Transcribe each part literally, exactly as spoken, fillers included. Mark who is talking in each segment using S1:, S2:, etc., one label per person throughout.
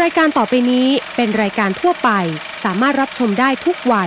S1: รายการต่อไปนี้เป็นรายการทั่วไปสามารถรับชมได้ทุกวัย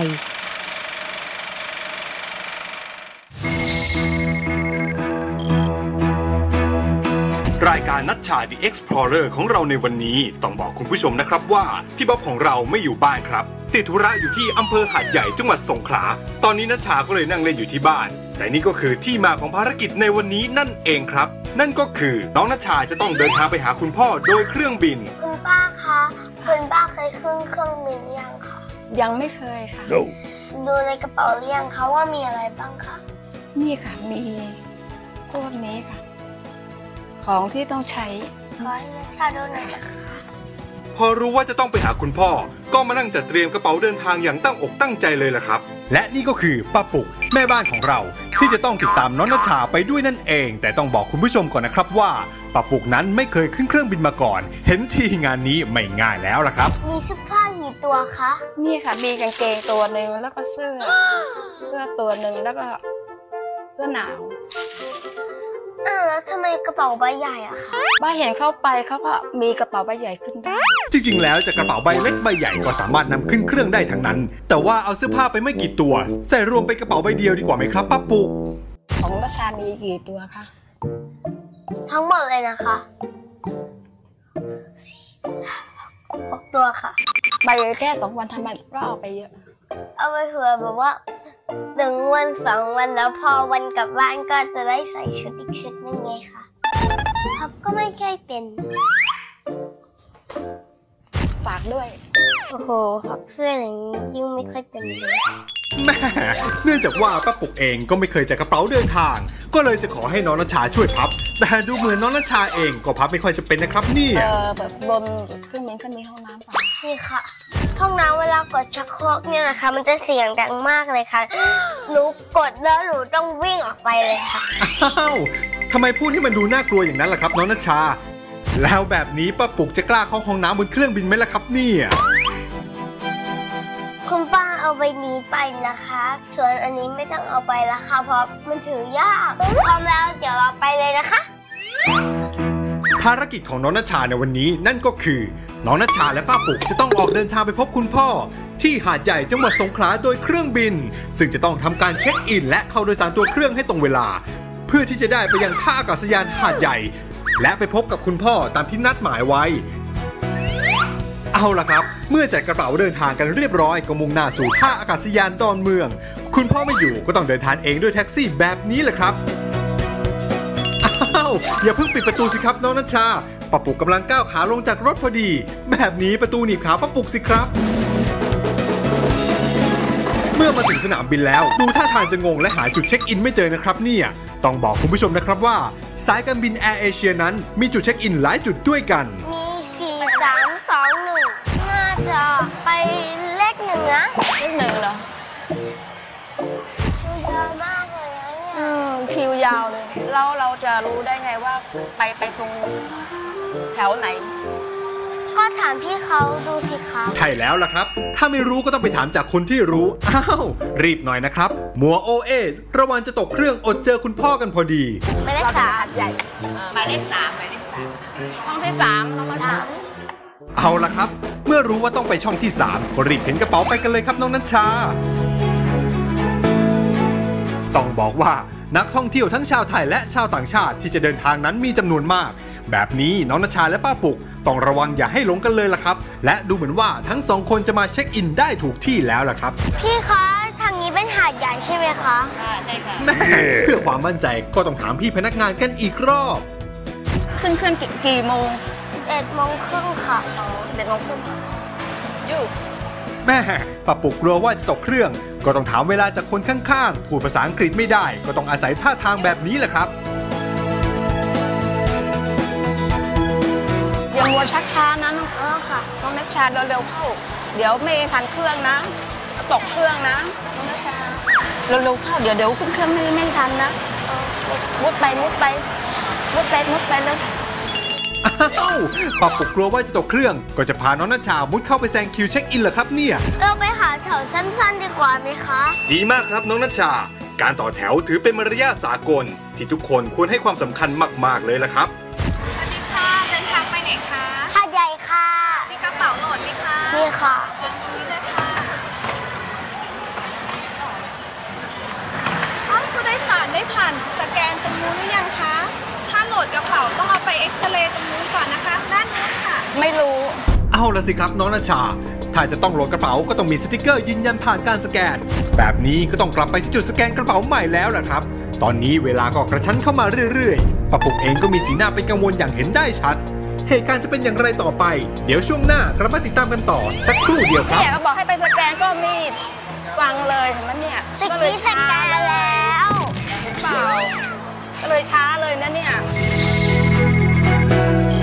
S2: รายการนัชชา The Explorer ของเราในวันนี้ต้องบอกคุณผู้ชมนะครับว่าพี่บ๊อบของเราไม่อยู่บ้านครับติดธุระอยู่ที่อำเภอหาดใหญ่จังหวัดสงขลาตอนนี้นัชชาก็เลยนั่งเล่นอยู่ที่บ้านแต่นี่ก็คือที่มาของภารกิจในวันนี้นั่นเองครับนั่นก็คือน้องนัชชาจะต้องเดินทางไปหาคุณพ่อโดยเครื่องบิน
S3: คุณป้าคะคุณป้าเคยขึ้นเครื่องบินยังคะ
S4: ยังไม่เคยค่ะ
S3: no. ดูในกระเป๋าหรือยังคะว่ามีอะไรบ้างคะ
S4: นี่ค่ะมีพวกนี้ค่ะของที่ต้องใช้
S3: ขอให้นัชชาดูหน่อยนะคะ
S2: พอรู้ว่าจะต้องไปหาคุณพ่อก็มานั่งจัดเตรียมกระเป๋าเดินทางอย่างตั้งอกตั้งใจเลยล่ะครับและนี่ก็คือป้าปุกแม่บ้านของเราที่จะต้องติดตามน้องนัชชาไปด้วยนั่นเองแต่ต้องบอกคุณผู้ชมก่อนนะครับว่าป้าปุกนั้นไม่เคยขึ้นเครื่องบินมาก่อนเห็นทีงานนี้ไม่ง่ายแล้วล่ะครับ
S3: มีเสื้อผ้ากี่ตัวคะ
S4: นี่ค่ะมีกางเกงตัวหนึ่งแล้วก็เสื้อเสื้อตัวหนึ่งแล้วก็เสื้อหนาว
S3: อ้าวแล้วทำไมกระเป๋าใบใหญ่อะคะ
S4: บ้าเห็นเข้าไปเขาก็มีกระเป๋าใบใหญ่ขึ้นได้
S2: จริงๆแล้วจะกระเป๋าใบเล็กใบใหญ่ก็สามารถนำขึ้นเครื่องได้ทั้งนั้นแต่ว่าเอาเสื้อผ้าไปไม่กี่ตัวใส่รวมเป็นกระเป๋าใบเดียวดีกว่าไหมครับป้าปุก
S4: ของนัชชามีกี่ตัวคะ
S3: ทั้งหมดเลยนะคะหกตัวค่ะ
S4: ใบแค่สองวันทำไมเราเอาไปเยอะ
S3: เอาไปเผื่อแบบว่าหนึ่งวันสองวันแล้วพอวันกลับบ้านก็จะได้ใส่ชุดอีกชุดนึงไงค่ะพับก็ไม่ใช่เป็น
S4: ฝากด้วย
S3: โอ้โหพับเสื้ออย่างนี้ยิ่งไม่ค่อยเป็นเลย
S2: แม่เนื่องจากว่าป้าปุกเองก็ไม่เคยจัดกระเป๋าเดินทางก็เลยจะขอให้น้องนัชชาช่วยพับแต่ดูเหมือนน้องนัชชาเองก็พับไม่ค่อยจะเป็นนะครับนี่
S4: เออแบบบนเครื่องบินก็มีห้องน้ำป่ะ
S3: นี่ค่ะห้องน้ำเวลากดชักโครกเนี่ยนะคะมันจะเสียงดังมากเลยค่ะหนูกดแล้วหนูต้องวิ่งออกไปเลยค่ะ
S2: อ้าวทำไมพูดให้มันดูน่ากลัวอย่างนั้นล่ะครับน้องนัชชาแล้วแบบนี้ป้าปุกจะกล้าเข้าห้องน้ำบนเครื่องบินไหมล่ะครับเนี่ย
S3: คุณป้าเอาใบนี้ไปนะคะส่วนอันนี้ไม่ต้องเอาไปละค่ะเพราะมันถือยากพร้อมแล้วเดี๋ยวเราไปเลยนะคะ
S2: ภารกิจของน้องนัชชาในวันนี้นั่นก็คือน้องนัชชาและป้าปุกจะต้องออกเดินทางไปพบคุณพ่อที่หาดใหญ่จังหวัดสงขลาโดยเครื่องบินซึ่งจะต้องทำการเช็คอินและเข้าโดยสารตัวเครื่องให้ตรงเวลาเพื่อที่จะได้ไปยังท่าอากาศยานหาดใหญ่และไปพบกับคุณพ่อตามที่นัดหมายไว้เอาล่ะครับเมื่อจัดกระเป๋าเดินทางกันเรียบร้อยก็มุ่งหน้าสู่ท่าอากาศยานดอนเมืองคุณพ่อไม่อยู่ก็ต้องเดินทางเองด้วยแท็กซี่แบบนี้แหละครับอ้าวอย่าเพิ่งปิดประตูสิครับน้องนัชชาป้าปุกกำลังก้าวขาลงจากรถพอดีแบบนี้ประตูหนีบขาป้าปุกสิครับเมื่อมาถึงสนามบินแล้วดูท่าทางจะงงและหาจุดเช็คอินไม่เจอนะครับเนี่ยต้องบอกคุณผู้ชมนะครับว่าสายการบินแอร์เอเชียนั้นมีจุดเช็คอินหลายจุดด้วยกัน
S3: มีสี่ สาม สอง หนึ่งน่าจะไปเลขหนึ่งนะ
S4: เลขหนึ่งเหรอ
S3: คิวยาวมากเลยนะเนี่ย
S4: คิวยาวเลยเราเราจะรู้ได้ไงว่าไปไปตรงแถวไหน
S3: ก็ถามพี่เขาดูสิคะ
S2: ใช่แล้วล่ะครับถ้าไม่รู้ก็ต้องไปถามจากคนที่รู้อ้าวรีบหน่อยนะครับมัวโอเอระวังจะตกเครื่องอดเจอคุณพ่อกันพอดี
S3: หมายเลขสาม
S4: ใหญ่
S5: หมายเลขสามหมายเลขสาม
S4: ห้องที่สามน้องนัชชา
S2: เอาล่ะครับเมื่อรู้ว่าต้องไปช่องที่สามก็รีบเข็นกระเป๋าไปกันเลยครับน้องนัชชาต้องบอกว่านักท่องเที่ยวทั้งชาวไทยและชาวต่างชาติที่จะเดินทางนั้นมีจำนวนมากแบบนี้น้องนัชชาและป้าปุกต้องระวังอย่าให้หลงกันเลยล่ะครับและดูเหมือนว่าทั้งสองคนจะมาเช็คอินได้ถูกที่แล้วล่ะครับ
S3: พี่คะทางนี้เป็นหาดใหญ่ใช่ไหมคะ
S4: ใช่ค่ะ
S2: แม่เพื่อความมั่นใจก็ต้องถามพี่พนักงานกันอีกรอบ
S4: ขึ้นเครื่องกี่โมง
S3: สิบเอ็ดโมงครึ่งค่ะ
S4: สิบเอ็ดโมงครึ่งอยู่
S2: แม่ป้าปุกกลัวว่าจะตกเครื่องก็ต้องถามเวลาจากคนข้างๆพูดภาษาอังกฤษไม่ได้ก็ต้องอาศัยท่าทางแบบนี้แหละครับ
S4: อย่ามัวชักช้านะน้องอ๋อค่ะน้องนัชชาเร็วๆเข้าเดี๋ยวไม่ทันเครื่องนะตกเครื่องนะน้องนัชชาเร็วๆเข้าเดี๋ยวเดี๋ยวขึ้นเครื่องไม่ไม่ทันนะมุดไปมุดไปมุดไปมุดไปเลย
S2: อ้าวป้าปุกกลัวว่าจะตกเครื่องก็จะพาน้องนัชชามุดเข้าไปแซงคิวเช็คอินเหรอครับเนี่ย
S3: เราไปหาแถวสั้นๆดีกว่าไหมคะ
S2: ดีมากครับน้องนัชชาการต่อแถวถือเป็นมารยาทสากลที่ทุกคนควรให้ความสำคัญมากๆเลยละครับ
S5: สวัสดีค่ะเดินทางไปไหนคะ
S3: หาดใหญ่ค่ะ
S5: มีกระ
S4: อนไหมคะ
S3: นี่ค่ะ
S4: ตรงนี้เลยค่ะอ้าวผู้โดยสารได้ผ่านสแกนตรงนู้นหรือยังคะถ้าโหลดกระเป๋าต้องเอาไปเอ็กซเรย์ตรงนู้นก่อนนะคะด้านนู้นค่ะ ไม่รู้
S2: เอาละสิครับน้องณชาถ้าจะต้องโหลดกระเป๋าก็ต้องมีสติกเกอร์ยืนยันผ่านการสแกนแบบนี้ก็ต้องกลับไปที่จุดสแกนกระเป๋าใหม่แล้วล่ะครับตอนนี้เวลาก็กระชั้นเข้ามาเรื่อยๆป้าปุกเองก็มีสีหน้าเป็นกังวลอย่างเห็นได้ชัดเหตุการณ์จะเป็นอย่างไรต่อไปเดี๋ยวช่วงหน้ากลับมาติดตามกันต่อสักครู่เดียวครับ
S4: เนี่ยก็บอกให้ไปสแกนก็มีฟังเลยเห็นไหมเนี่ย
S3: ตะ
S4: ก็เลย
S3: กี้ส
S4: ช้า
S3: แกนแล้ว
S4: เห็นเปล่าก็เลยช้าเลยนะเนี่ย